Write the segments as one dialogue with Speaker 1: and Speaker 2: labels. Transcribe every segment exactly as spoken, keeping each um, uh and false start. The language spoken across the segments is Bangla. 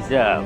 Speaker 1: যাও।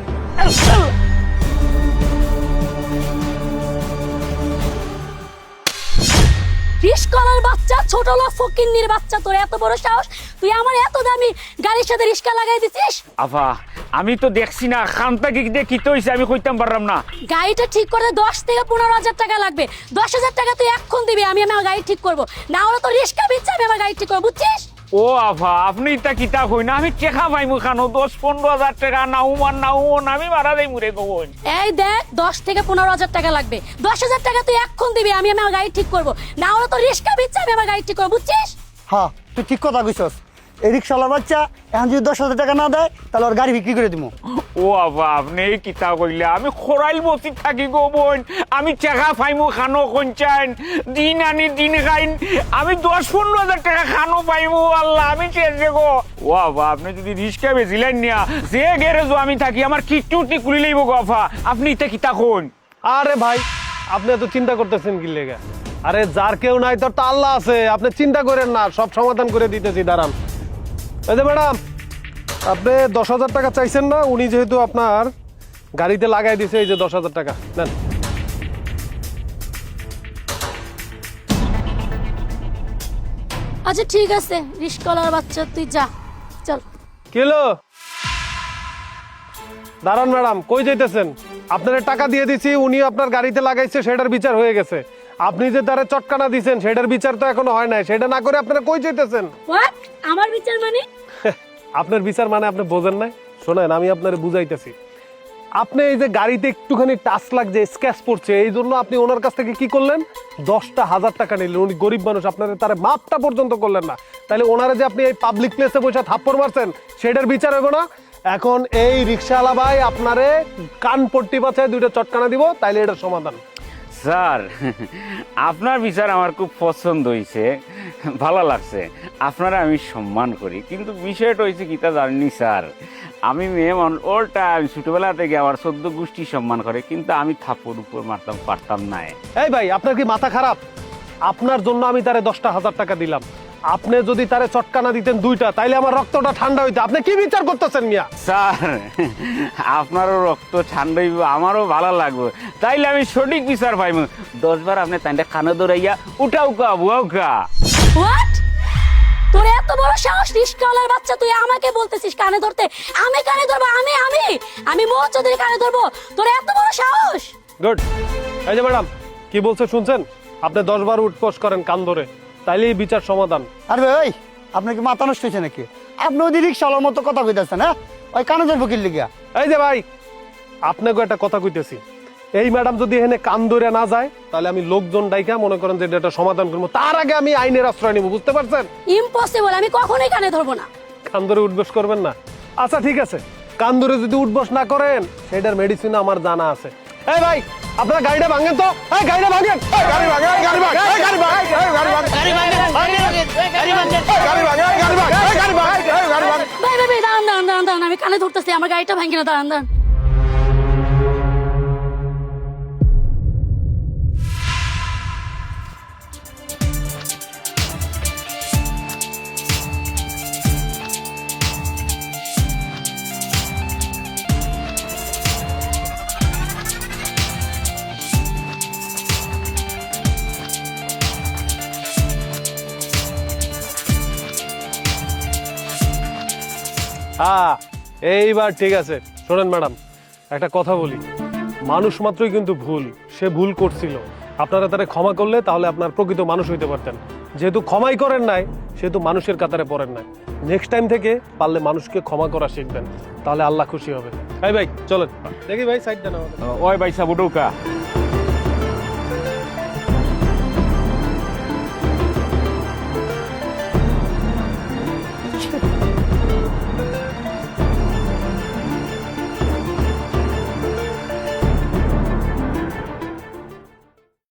Speaker 2: রিস্কালার বাচ্চা, ছোট লোক ফকিন্নির বাচ্চা, তোর এত বড় সাহস, তুই আমার এত দামি গাড়ির সাথে রিস্কা লাগাই দিছিস?
Speaker 1: আফা আমি তো দেখছি না, খানটা কি দিয়ে কি হইছে আমি কইতাম পারলাম না।
Speaker 2: গাড়িটা ঠিক করতে দশ থেকে পনেরো হাজার টাকা লাগবে। দশ হাজার টাকা তুই এক্ষণ দিবি, আমি আমার গাড়ি ঠিক করবো, না হলে তো রিস্কা বিচ্ছে আমি আমার গাড়ি ঠিক করবো, বুঝছিস?
Speaker 1: ও আফা আপনি ইটা কিতা কই না, আমি টেকা পাইমু খানো দশ পনেরো হাজার টাকা নাও মান নাও আমি মারা যাই মুরে কই।
Speaker 2: এই দেখ, দশ থেকে পনেরো হাজার টাকা লাগবে। দশ হাজার টাকা তুই এক্ষণ দিবি, আমি আমার গাড়ি ঠিক করবো, না হলে তো রিস্কা বিচ্ছে আমি আমার গাড়ি ঠিক করবো, বুঝছিস?
Speaker 3: হ্যাঁ তুই ঠিক কথা কইছস। এই রিক্সাওয়ালার বাচ্চা এখন যদি দশ হাজার টাকা না দেয় তাহলে ওর গাড়ি বিক্রি করে দিব।
Speaker 1: ও আফা আপনি কিতা কইলে, আমি খরাইল বসি থাকি গো বোন, আমি টেকা পাইমু খানো কঞ্চাইন দিন আনি দিন খাইন, আমি দশ পনেরো হাজার টাকা খানো পাইমু আল্লাহ আমি চেয়েছে গো। ও আফা আপনি যদি রিস্কা বেছিলেন না, যে গ্যারেজও আমি থাকি আমার কিট্টু খুলি লইব গো আফা, আপনি এটা কিতা কোন?
Speaker 4: আরে ভাই আপনি এত চিন্তা করতেছেন কি লেগে? আরে যার কেউ নাই তোর তো আল্লাহ আছে, আপনি চিন্তা করেন না, সব সমাধান করে দিতেছি, দাঁড়ান। এই যে ম্যাডাম, আপনি দশ হাজার টাকা চাইছেন না, উনি যেহেতু আপনার গাড়িতে লাগাই দিছে, এই যে দশ হাজার টাকা নেন।
Speaker 2: আচ্ছা ঠিক আছে, রিস্কালার বাচ্চা তুই যা, চল।
Speaker 4: কিলো দাঁড়ান ম্যাডাম, কই যাইতেছেন? আপনার টাকা দিয়ে দিছি, উনি আপনার গাড়িতে লাগাইছে, সেটার বিচার হয়ে গেছে। আপনি যে তারে চটকানা দিছেন সেটার বিচার তো এখনো হয় নাই, সেটা না করে আপনারা কই যাইতেছেন?
Speaker 2: হোয়াট? আমার বিচার মানে?
Speaker 4: আপনার বিচার মানে আপনি বোঝেন নাই? শোনেন আমি আপনারে বুঝাইতেছি। আপনি এই যে গাড়িতে একটুখানি টাচ লাগছে, স্ক্র্যাচ পড়ছে, এই জন্য আপনি ওনার কাছ থেকে কি করলেন? দশটা হাজার টাকা নিলেন। উনি গরিব মানুষ, আপনার তার মাপটা পর্যন্ত করলেন না, তাহলে ওনারা যে আপনি এই পাবলিক প্লেসে বসে থাপ্পড় মারছেন সেটার বিচার হবে না? এখন এই রিক্সাওয়ালা ভাই আপনারে কান পট্টি বাছায় দুইটা চটকানা দিব, তাইলে এটার সমাধান।
Speaker 1: স্যার আপনার বিচার আমার খুব পছন্দ হয়েছে, ভালো লাগছে, আপনারা আমি সম্মান করি, কিন্তু বিষয়টা হয়েছে কিতা জানি স্যার, আমি মেয়ে মানুষ, ওর টাইম ছোটবেলা থেকে আমার চোদ্দ গোষ্ঠী সম্মান করে, কিন্তু আমি থাপ্পড় উপর মারতাম পারতাম না।
Speaker 4: এই ভাই আপনার কি মাথা খারাপ? আপনার জন্য আমি তারে দশটা হাজার টাকা দিলাম, আপনি যদি তারে চটকানা দিতেন দুইটা, তাইলে আমার রক্তটা ঠান্ডা হইতো। আপনি কি বিচার করতেছেন মিয়া?
Speaker 1: স্যার আপনারও রক্ত ঠান্ডা হইব, আমারও ভালো লাগবে, তাইলে আমি সঠিক বিচার পাইব। দশবার আপনি তাইটা কানে দৌড়াইয়া উঠাও কা বুয়াও কা।
Speaker 2: হোয়াট? তোর এত বড় সাহস, রিস্কাওয়ালার বাচ্চা, তুই আমাকে বলতেছিস কানে ধরতে? আমি কানে ধরবো? আমি আমি আমি মোহ চৌধুরী কানে ধরবো? তোর এত বড় সাহস?
Speaker 4: গুড। এই যে ম্যাডাম কি বলছে শুনছেন? আপনি দশ বার উঠকোষ করেন কান ধরে, তাইলেই বিচার সমাধান।
Speaker 3: আরে ভাই আপনার কি মাথা নষ্ট হয়েছে নাকি? আপনি ওই রিক্সাওয়ালার মতো কথা কইতেছেন, হ্যাঁ? ওই কানে ধরবো কি লিগা?
Speaker 4: এই যে ভাই আপনাকে একটা কথা কইতেছি, এই ম্যাডাম যদি এখানে কান ধরে না যায়, তাহলে আমি লোকজন ডাইকা মনে করেন যে এটা সমাধান করবো, তার আগে আমি আইনের আশ্রয় নিব, বুঝতে পারছেন?
Speaker 2: ইম্পসিবল, আমি কখনোই কানে ধরবো না।
Speaker 4: কান ধরে উঠবস করবেন না? আচ্ছা ঠিক আছে, কান ধরে যদি উঠবস না করেন সেটার মেডিসিন আমার জানা আছে। এই ভাই আপনারা গাড়িটা ভাঙেন তো, এই গাড়িটা ভাঙেন, এই গাড়ি ভাঙেন, এই গাড়ি ভাঙেন, এই গাড়ি ভাঙেন, এই গাড়ি ভাঙেন, গাড়ি ভাঙেন, গাড়ি ভাঙেন, গাড়ি ভাঙেন, গাড়ি ভাঙেন, গাড়ি ভাঙেন, এই গাড়ি ভাঙেন, এই গাড়ি ভাঙেন।
Speaker 2: ভাই ভাই ভাই দাঁড়ান দাঁড়ান দাঁড়ান দাঁড়ান, আমি কানে ধরতেছি, আমার গাড়িটা ভাঙি না, দাঁড়ান দাঁড়ান।
Speaker 4: হ্যাঁ এইবার ঠিক আছে। শোনেন ম্যাডাম একটা কথা বলি, মানুষ মাত্রই কিন্তু ভুল, সে ভুল করছিল, আপনারা তারা ক্ষমা করলে তাহলে আপনার প্রকৃত মানুষ হইতে পারতেন। যেহেতু ক্ষমাই করেন নাই সেহেতু মানুষের কাতারে পড়েন নাই। নেক্সট টাইম থেকে পারলে মানুষকে ক্ষমা করা শিখবেন, তাহলে আল্লাহ খুশি হবে। এই ভাই চলেন দেখি, ভাই সাইড দেন আমাদের।
Speaker 1: ওই ভাই সাবুডৌকা।